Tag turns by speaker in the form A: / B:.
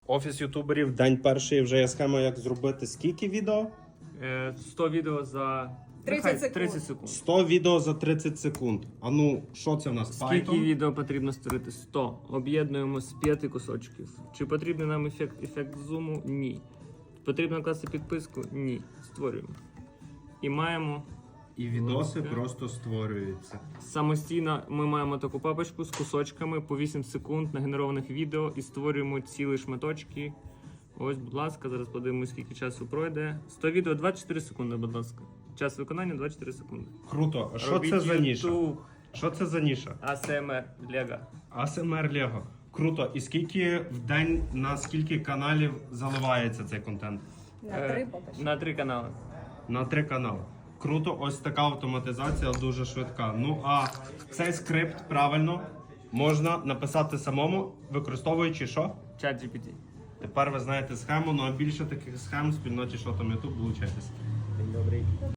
A: Офіс ютуберів, день перший, вже є схема, як зробити скільки відео?
B: 100 відео за
C: 30 секунд.
B: 30 секунд.
A: 100 відео за 30 секунд. А ну, що це в нас?
B: Скільки
A: Python?
B: відео потрібно створити? 100. Об'єднуємо з 5 кусочків. Чи потрібен нам ефект зуму? Ні. Потрібно класти підписку? Ні. Створюємо. І маємо
A: І відоси просто створюються.
B: самостійно, ми маємо таку папочку з кусочками по 8 секунд нагенерованих відео і створюємо цілі шматочки. Ось, будь ласка, зараз подивимось, скільки часу пройде. 100 відео 24 секунди, будь ласка. Час виконання 24 секунди.
A: Круто. А що
B: Робіть
A: це за ніша?
B: YouTube.
A: Що це за ніша?
B: ASMR Lego.
A: ASMR Lego. Круто. І скільки в день на скільки каналів заливається цей контент?
C: На 3 поки що.
B: На 3 канали.
A: На 3 канали. Круто, ось така автоматизація дуже швидка. Ну а цей скрипт правильно можна написати самому, використовуючи що?
B: Чат GPT.
A: Тепер ви знаєте схему, ну а більше таких схем в спільноті що там YouTube, долучайтесь.
B: Добрий.